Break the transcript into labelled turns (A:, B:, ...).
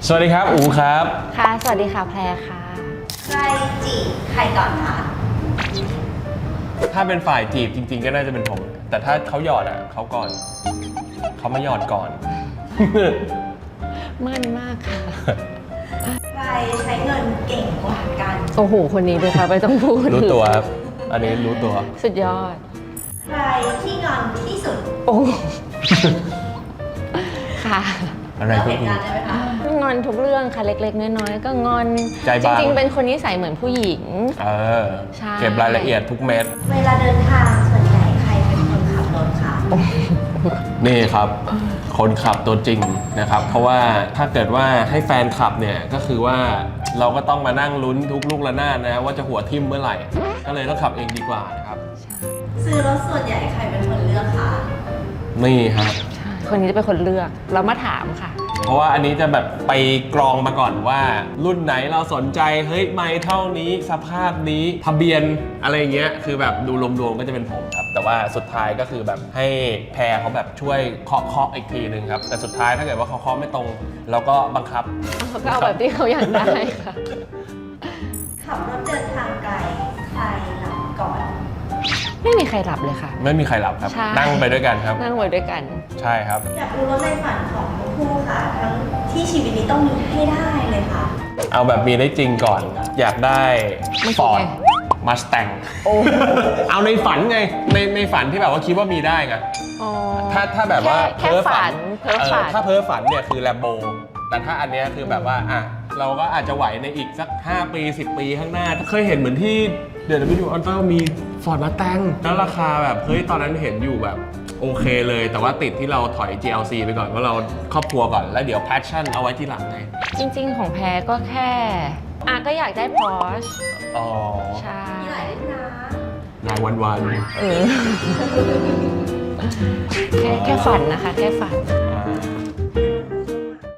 A: สวัสดีครับอูครับ
B: ค่ะ สวัสดีค่ะแพรค่ะ
C: ใครจีบใครก่อนคะ
A: ถ้าเป็นฝ่ายจีบจริงๆก็น่าจะเป็นผม แต่ถ้าเขาหยอดอ่ะเขาก่อนเขามาหยอดก่อน
B: มั่นมากค่ะ
C: ใครใช้เงินเก่งกว่ากัน
B: โอ้โห คนนี้ด้วยค่ะไม่ต้องพูด
A: รู้ตัวครับอันนี้รู้ตัว
B: สุดยอด
C: ใครที่งอนที่สุด
B: โอ้ ค่ะ
A: อะไรก็
C: เล่าเหตุ
A: คือ
C: การณ์ได้ไหมคะ
B: งอนทุกเรื่องค่ะเล็กๆน้อยๆก็งอน
A: ใจ
B: จ
A: บาง
B: ริงๆเป็นคนนิสัยเหมือนผู้หญิง
A: เออ
B: ใช่
A: เก็บรายละเอียดทุกเม็ด
C: เวลาเดินทางส่วนใหญ่ใครเป็นคนขับรถคะ
A: นี่ครับ คนขับตัวจริงนะครับ เพราะว่าถ้าเกิดว่าให้แฟนขับเนี่ยก็คือว่าเราก็ต้องมานั่งลุ้นทุกลูกระนาดนะว่าจะหัวทิ่มเมื่อไหร่ ก็เลยต้องขับเองดีกว่านะครับ
C: ซื้อรถส่วนใหญ่ใครเป็นคนเลือกคะ
A: นี่ครับ
B: ใช่คนนี้จะเป็นคนเลือก เรามาถามค่ะ
A: เพราะว่าอันนี้จะแบบไปกรองมาก่อนว่ารุ่นไหนเราสนใจเฮ้ยไม่เท่านี้สภาพนี้ทะเบียนอะไรเงี้ยคือแบบดูรวมๆก็จะเป็นผมครับ แต่ว่าสุดท้ายก็คือแบบให้แพรเขาแบบช่วยเคาะอีกทีนึงครับแต่สุดท้ายถ้าเกิดว่าเขาเคาะไม่ตรง เราก็บังคับ
B: เขาก็เอาแบบที่เขาอยากได้ค่ะ
C: ขับรถเดินทางไกลใครหลับก่อน
B: ไม่มีใครหลับเลยค่ะ
A: ไม่มีใครหลับครับ
B: ใช่
A: นั่งไปด้วยกันครับ
B: นั่งไว้ด้วยกัน
A: ใช่ครับ
C: อยากรู้รถในฝันของทั้งคู่ค่ะ ทั้งที่ชีวิตนี้ต้องมีให้ได้เลยค่ะ
A: เอาแบบมีได้จริงก่อน อยากได้
B: ไม่ใช่
A: ฟอร์ดมาสแตง
B: โอ้
A: เอาในฝันไงในฝันที่แบบว่าคิดว่ามีได้ไง
B: อ๋อ
A: ถ้าแบบว่า
B: แค่ฝันเพ้อฝัน
A: ถ้าเพ้อฝันเนี่ยคือแลมโบแต่ถ้าอันเนี้ยคือแบบว่าอ่ะเราก็อาจจะไหวในอีกสัก5 ปี 10 ปีข้างหน้าเคยเห็นเหมือนที่เดอะวิดีโอออนเตอร์มีฟอร์ดมาแตงแล้วราคาแบบเฮ้ยตอนนั้นเห็นอยู่แบบโอเคเลย แต่ว่าติดที่เราถอย GLC ไปก่อนว่าเราครอบครัวก่อนแล้วเดี๋ยว passion เอาไว้ที่หลังไง
B: จริงๆ ของแพรก็แค่ก็อยากได้ Porsche
A: อ๋อ
B: ใช่
C: มีหลายรุ่นนะ
A: นายวัน
B: เออแค่ฝันนะคะ แค่ฝัน